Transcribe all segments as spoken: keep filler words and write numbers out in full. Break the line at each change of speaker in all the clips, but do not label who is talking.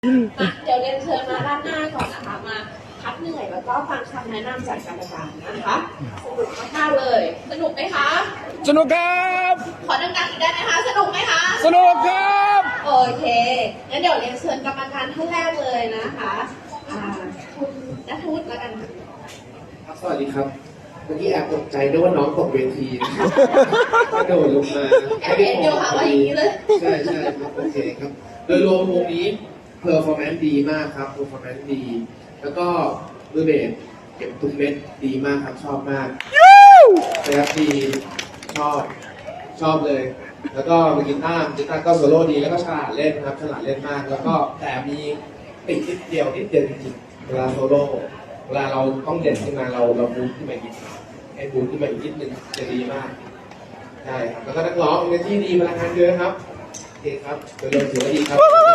มาเดี๋ยวเรียนเชิญมาด้านหน้าก่อนนะคะมาพักเหนื่อยแล้วก็ฟังคำแนะนำจากกรรมการนะคะสนุกมากๆเลยสนุกไหมคะ
สนุกครับ
ขอดังๆอีกได้ไหมคะสนุกไหมคะ
สนุกครับ
โอเคงั้นเดี๋ยวเรียนเชิญกรรมการท่านแรกเลยนะคะอ่าคุณณทูตแล้วกัน
ครับสวัสดีครับเมื่อกี้แอบตกใจด้วยว่าน้องตกเวทีกระโดดลงมา
แอบเห็นเดียวค่ะว่าอย่างนี้เลย
ใช่ใช่ครับโอเคครับโดยรวมวงนี้เพอร์ฟอร์แมนซ์ดีมากครับเพอร์ฟอร์แมนซ์ดีแล้วก็มือเบสเก็บทุกเม็ดดีมากครับชอบมากนะครับดีชอบชอบเลย แล้วก็มือกีตาร์กีตาร์ก็โซโล่ดีแล้วก็ฉลาดเล่นครับฉลาดเล่นมากแล้วก็แต่มีติดนิดเดียวนิดเดียวจริงๆเวลาโซโล่เวลาเราต้องเด่นขึ้นมาเราเราบูทขึ้นมาอีกให้บูทขึ้นมาอีกนิดนึงจะดีมากใช่ครับแล้วก็นักร้องในที่ดีพลังงานเยอะครับโอเคครับโดยรวมถือว่าดีครับ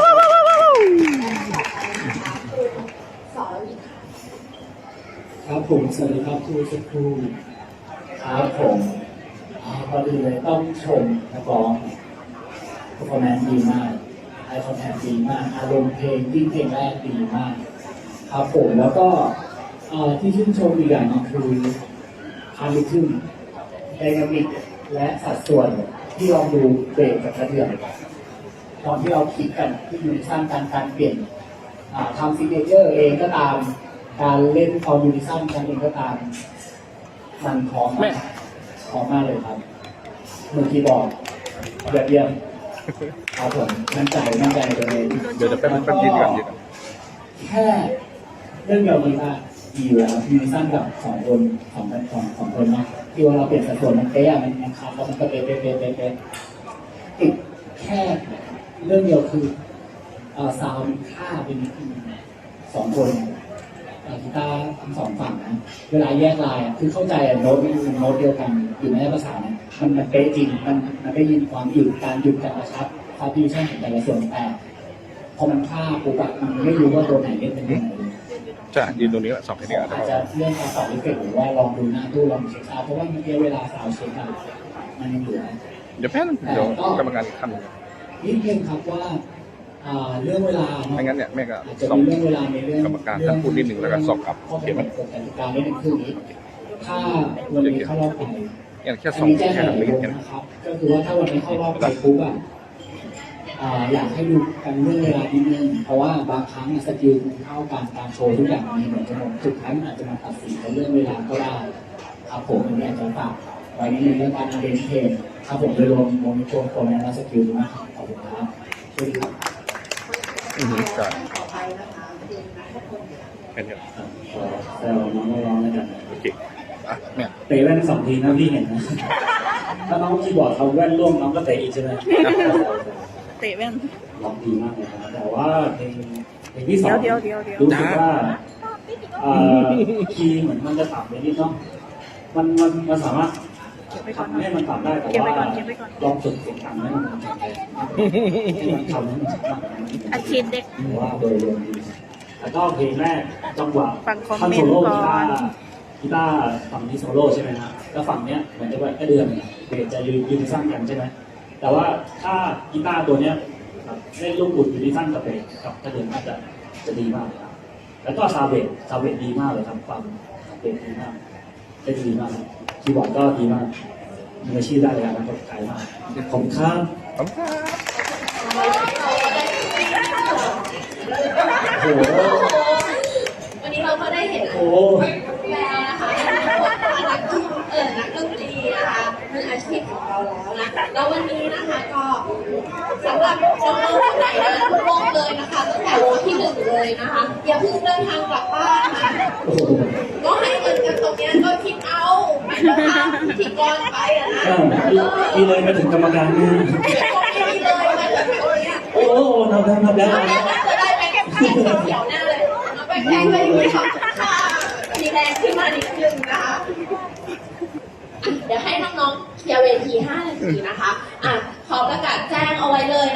ครับผมสวัสดีครับครูสักครูครับผมพอดีเลยต้องชมนักร้องเพอร์ฟอร์แมนซ์ดีมากไอคอนแทคดีมากอารมณ์เพลงที่เพลงแรกดีมากครับผมแล้วก็ที่ชื่นชมอีกอย่างนึงคือคาร์ลิทึมไดนามิกและสัดส่วนที่ลองดูเบรกกับกระเดื่องตอนที่เราคิดกันที่อยู่ในสร้างการการเปลี่ยนทำซิกเนเจอร์เองก็ตามการเล่นคอมมิวนิชั่นกันเองก็ตามมันพร้อมมากพร้อมมากเลยครับมือคีย์บอร์ดแบบเยี่ยมครับผมมั่นใจมั่นใจตัวเอง
เดี๋ยวจะเป็นเป็นยืนกันยืนกัน
แค่เรื่องเดียวมันก็ดีอยู่แล้วยูนิชั่นกับสองคนสองคนสองสองคนเนาะที่ว่าเราเปลี่ยนสัดส่วนมันเป๊ะมันมันคัดแล้วมันก็เป๊ะเป๊ะเป๊ะเป๊ะเป๊ะติดแค่เรื่องเดียวคือเอ่อซาวด์ค่าเป็นสองคนกีตาร์ทั้งสองฝั่งนะเวลาแยกลายคือเข้าใจโน้ตมันโน้ตเดียวกันอยู่ในภาษาเนี่ยมันมันเป๊ะจริงมันมันได้ยินความหยุดการหยุดการกระชับคาร์ดิชั่นของแต่ละส่วนแต่พอมันฆ่าปุ๊บอะมันไม่รู้ว่าตัวไหนเล่นเป็นยังไง
จะยืนตรงนี้แหละสองคนนี้อาจ
จะเรื่องการสอบวิเคราะห์หรือว่าลองดูหน้าตู้ลองเช็คเอาเพราะว่าเมื่อกี้เวลาสาวเช็คอะมันยังเหลือ
เดี๋ยวแป๊บเดี๋ยวกรรมการทำ
นิดนึงครับว่าเรื่องเวลา
ไม่งั้นเนี่ยแม่ก็
สอบเรื่องเวลาในเรื่อง
กรรมการท่านพูดนิดหนึ่งแล้วก็สอบกลับเขียนมัน
กฎกติกาไม่ได้คือนี้ถ้าวันนี้เข้ารอบไป
อย่างแค่สองแค่ทำไม่กัน
นะครับก็คือว่าถ้าวันนี้เข้ารอบไปปุ๊บอ่ะอยากให้ดูกันเรื่องเวลานิดนึงเพราะว่าบางครั้งสกิลเท่ากันการโชว์ทุกอย่างมันเหมือนกันหมดสุดท้ายมันอาจจะมาตัดสินในเรื่องเวลาก็ได้ครับผมอันนี้อาจจะฝากไว้ในเรื่องการเรียนเพลงครับผมโดยรวมวงโชว์คนและสกิลมากขอบคุณครับสวัสดีครับ
อือฮึใช่เป็นยัง
แซวน้องร้องแล้วกัน
โอเคอ่ะเนี่ย
เตะแว่นสองทีนะพี่เห็นนะถ้าน้องคีย์บอร์ดเขาแว่นร่วงน้องก็เตะอีกใช่ไหม
เตะแว่น
ร้องดีมากเลยครับแต่ว่าเพลงเพลงที่สอง
เดี๋ยวเดี๋ยวเดี๋ยว
รู้สึกว่าคีย์เหมือนมันจะต่ำไปนิดเนาะมันมันมันสามารถทำให้มันต่ำได้แต่ว่าลองฝึกเสียงต่ำให้มันแข็งแรงให้มันทำให้มันชัดมาก
อาชีพเด็ก
ว่าโดยรวมดีแล้วก็เพลงแรกจังหวะ
ท่อน
โซโล่กีตาร์กีตาร์ฝั่งนี้โซโล่ใช่ไหมฮะแล้วฝั่งเนี้ยเหมือนจะว่าแค่เดือนเบสจะยืนยืนสร้างกันใช่ไหมแต่ว่าถ้ากีตาร์ตัวเนี้ยเล่นลูกบุดอยู่ที่สั้นกับเบสกับกระเดือนน่าจะจะดีมากครับแล้วก็ซาวเบสซาวเบสดีมากเลยครับฟังเบสดีมากเล่นดีมากคีย์บอร์ดก็ดีมากมืออาชีพได้เลยครับไกลมากขอบคุณครับ
ขอบคุณครับ
โอ้โห
วันนี้เราก็ได้เห็น
โอ้
แล้วนะคะนักเออนักดนตรีนะคะมืออาชีพของเราแล้วนะแล้ววันนี้นะคะก็สำหรับน้องๆคนไหนนะทุกวงเลยนะคะตั้งแต่วงที่หนึ่งเลยนะคะอย่าเพิ่งเดินทางกลับบ้านนะก็ให้เงินกันตรงนี้ก็คิดเอาไม่ต้องทำพิธีกรไปอะนะ
มีเลยมาถึงกรรมการเนี่ย
ไม่มีเลยมาถึงตรงนี้
โอ้โหนับแล้วนับแล้ว
จะได้ไปแค่แค่เขียวหน้าเลยมาไปแข่งไปด้วยค่ะมีแรงขึ้นมานิดนึงนะคะเดี๋ยวให้น้องๆเคลียร์เวทีห้านาทีนะคะอ่ะขอประกาศแจ้งเอาไว้เลย